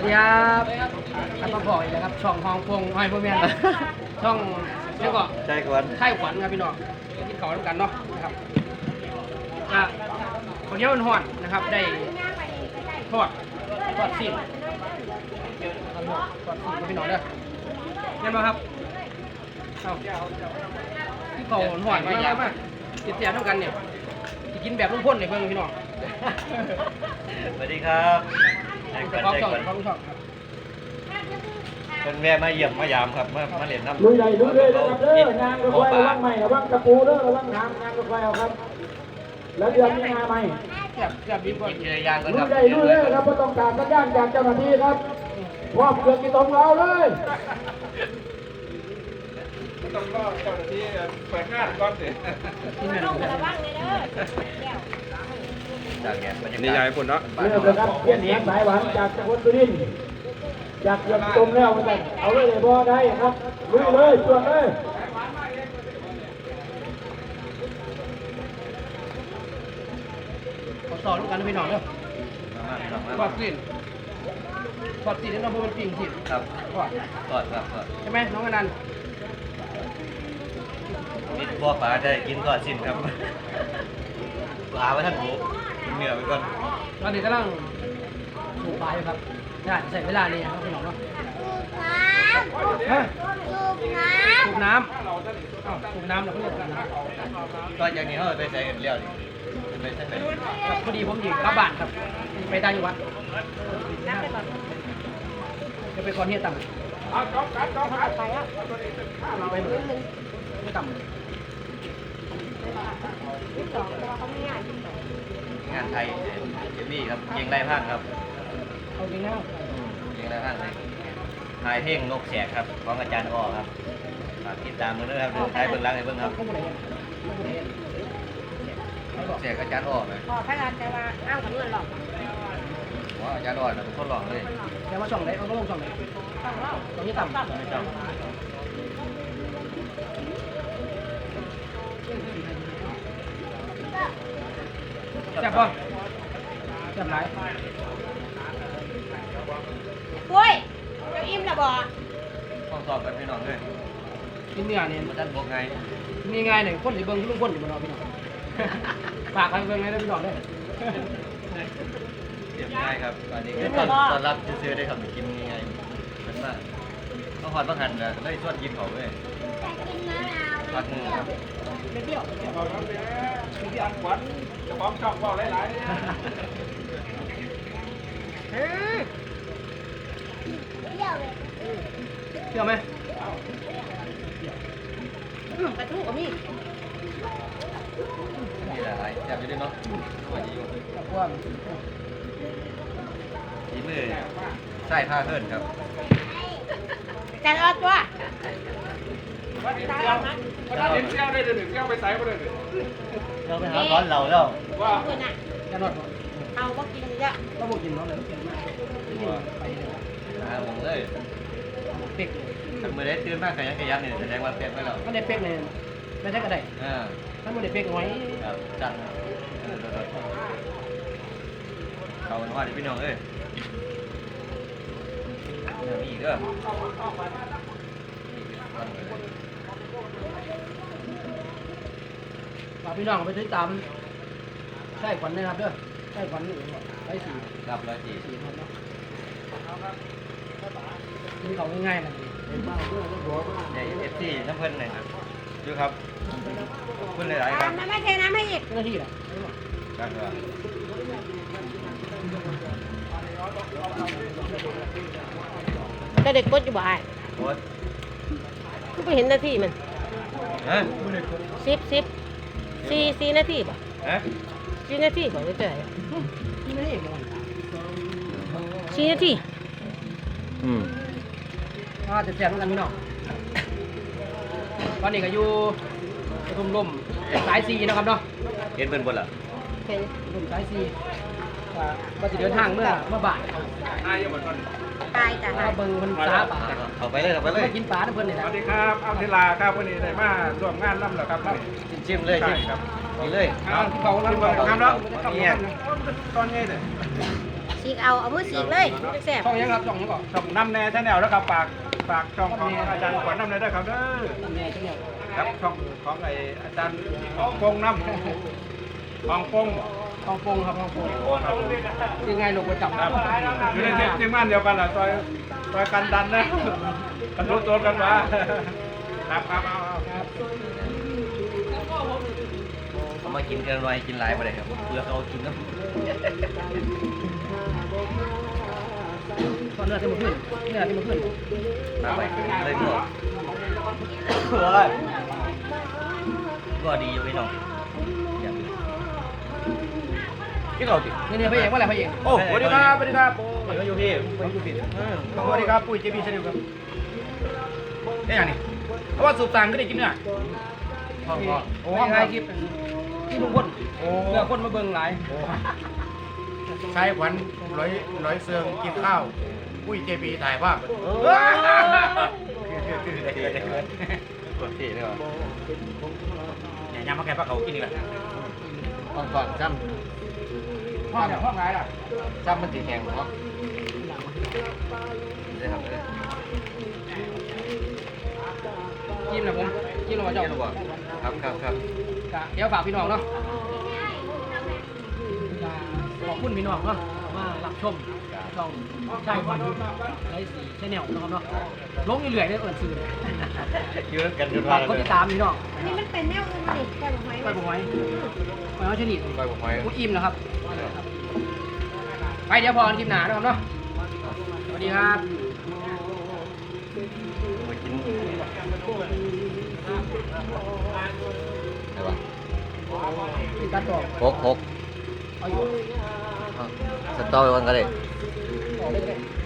ดีครับท่านมาบอกอีกแล้วครับช่องฮองพงห้อยพวกแม่ช่องเรียกว่าใจกวนไข่ขวัญครับพี่น้องกินเขาด้วยกันเนาะนะครับอ่ะข้าวเหนียวห่อนๆนะครับได้ทอดซีนทอดซีนพี่น้องเด้อเห็นไหมครับเอาที่เขาห่อนมากติดเสียเท่ากันเนี่ยจะกินแบบลุงพ่นเนี่ยเพื่อนพี่น้องสวัสดีครับใจกวนของใจช่องกวนของช่องเป็นแม่มาเยี่ยมมายามครับมาเล่นน้ำลุยใหญ่ลุยเลยนะครับเด้องานรถไฟระวังใหม่ระวังกระปูเด้อระวังหางงานรถไฟเอาครับ แล้วเดือนมีงานใหม่เกือบดีกว่ากินอะไรย่างกันลุครัยบใหญ่ลุยเลยครับไม่ต้องการสัญญาณจากเจ้าหน้าที่ครับพร้อมเกือบกี่ตรงเราเลยต้องรอเจ้าหน้าที่เปิดงานก่อนสิที่นั่นจากแกบรรยากาศนี่ยายคนเนาะเริ่มเลยครับเพี้ยนเสียงสายหวานจากจังหวัดสุรินทร์จากเกือบตรงแล้วกันเอาเลยเลยพอได้ครับลุยเลยส่วนเลยขอสอนลูกกันพี่น้องเด้อมาทอดซีนทอดซีนนี่เราพูดเป็นปิ่งซีนครับทอดกอดครับกอดใช่ไหมน้องอนันต์มิดบ่อปลาได้กินก่อนสิ้นครับปลาไว้ท่านหมูเหนื่อยไปก่อนตอนนี้กำลังสูบปลาอยู่ครับใช่ใส่เวลานี่ครับพี่น้องเนาะฮะสูบน้ำอ้าวสูบน้ำเราก็เรียกกันนะตอนอย่างนี้เขาไปใส่เลี้ยวดิไปใส่ไหนพอดีผมอยู่กลับบ้านครับ ไปต่างจังหวัดจะไปคอนเฮียต่ำไปหมดไม่ต่ำงานไทยเอมี่ครับเกียงไร่พังครับเอาจริงนะเกียงไร่พังเลยถ่ายเพลงนกแสกครับของอาจารย์อ้อครับฝากติดตามมือด้วยครับดูท้ายเบื้องหลังให้เบื้องครับเขาบอกอะไรเขาบอกอะไรนกแสกอาจารย์อ้อไหมพอพระราชแต่ว่าอ้างกับเงินหรอกว่าอาจารย์อ้อนะเป็นคนหลอกเลยแต่ว่าช่องไหนเขาก็ลงช่องไหนต้องเล่าช่องนี้ต่ำไม่ต้องแซ่บป่ะแซ่บหลายปุ้ยเจ้าอิ่มละบ่ห้องสอบกันพี่น้องเลยกินเนื้อนี่มาท่านบอกไงมีไงหนึ่งคนหรือเบิ้งลุงคนอยู่บนเราพี่น้องฝากใครเบิ้งไงได้พี่น้องได้เรียบง่ายครับตอนนี้ก็ตอนรับซื้อได้ครับกินง่ายๆเป็นมากต้องหอดต้องหั่นนะได้ส่วนกินเขาเลยพักมือครับที่อันขวัญจะพร้อมช่องเบาหลายๆเชื่อไหมกระทู้ก็มีมีหลายแซ่บอยู่ด้วยเนาะสวัสดีอยู่เพราะว่าฝีมือใส่ผ้าเพิ่นครับแต่รอดตัววันนี้เที่ยวได้เดือนหนึ่งเที่ยวไปไซส์มาเดือนหนึ่งเราไปหาร้อนเราแล้วว่าเพื่อนอ่ะจะนอดเอาก็กินเยอะก็บอกกินเนาะเลยกินมากไปเลยหาผมเลยเป๊กถ้ามือได้ตื่นมากขยันขยันเนี่ยแสดงว่าเต็มไปแล้วก็ได้เป๊กเลยไม่ใช่ก็ได้อ่าถ้าไม่ได้เป๊กน้อยครับจัดเขาเป็นว่าที่พี่น้องเอ้ยมีอีกเด้อฝากพี่น้องไปติดตามใช่ขวัญนะครับเด้อใช่ขวัญไอ้สี่ครับ104 สี่คนเนาะกินเขาง่ายๆนะเป็นบ้าเพื่อนก็หัวมากในFC น้ำเพิ่นเลยครับดูครับขอบคุณหลายๆคตารัมบมาไม่เทน้ำให้อีกเจ้าหน้าที่น่ะครับก็เด็กกดอยู่บ่ายโค้ดก็ไปเห็นหน้าที่มันฮะสี่นาทีบ่ฮะ 4 นาทีบ่ได้เจอที่ไม่ได้เอกเลย 4 นาทีจะแจกกันพี่น้องตอนนี้ก็อยู่ปทุมลมสายซีนะครับเนาะเห็นเพิ่นบ่ล่ะเห็นปทุมสายซีก็จะเดินทางเมื่อบ่ายนายยังบ่ทันตายจ้ะมาเบิ่งคนสาป่าเอาไปเลยเอาไปเลยมากินปลาทุกคนเลยสนะวัสดีครับเอาเทลาครับวันนี้ได้มาร่วมงานน้ำเหรอครับชิมเลยใช่ชิมครับนี่เลยเอาเขาแล้วครับแล้วเนี่ยตอนนี้เลย 4 ฉีกเอามือฉีกเลยแซ่บช่องยังครับช่องยังก่อนช่องน้ำแน่ชาแนลแล้วครับฝากช่องของอาจารย์ขวัญน้ำแน่ด้วยครับเด้อแม่ช่องยังครับช่องของไออาจารย์ของพงน้ำของพงห้องโปงครับห้องโปงยังไงลูกประจำครับอยู่ในทีมงานเดียวกันแหละซอยกันดันนะกันรู้ตัวกันมาครับเอาเขามากินกันหน่อยกินหลายมาเลยครับเพื่อเขากินน้ำตอนเนื้อที่มันขึ้นเนื้อที่มันขึ้นน้ำไปเลยหมดก็ดีอยู่พี่น้องพี่เขาตินี่พระเอกว่าอะไรพระเอกโอ้สวัสดีครับสวัสดีครับไปก็อยู่พี่สวัสดีครับปุ้ยเจบีชาแนลครับนี่อย่างนี้เพราะว่าสูบต่างก็ได้กินเนี่ยพ่อโอ้ยคลิปที่ลุงพลเพื่อคนมาเบิ่งหลายใช้ขวัญร้อยเซิงกินข้าวปุ้ยเจบีถ่ายภาพกดพี่เลยว่ะเนี่ยยำมาแกงปลาเขากินดีกว่าก่อนจ้ห้องเนี่ยห้องไหนล่ะำจ้ำมันสีแข็งเนาะได้ครับเลยจิ้มนะผมจิ้มลงมาเจ้าเจ้าบอกครับเดี๋ยวฝากพี่น้องเนาะขอบคุณพี่น้องเนาะมารับชมช่องใช่วันไลฟ์สีชแนลนะครับเนาะลงเรื่อยๆได้เอิญซื้อเยอะกันจนฝากกดติดตามพี่น้องอันนี้มันเป็นแนวอื่นมาดิแกบอกไหมไปผมไว้ไปเอาชนิดไปผมไปกูอิ่มนะครับไปเดี๋ยวพอกันคลิปหนานะครับเนาะสวัสดีครับไปกินอะไรวะติดตัดต่อหกเอาอยู่สตอไปวันกันเลยต่อเลยก็ได้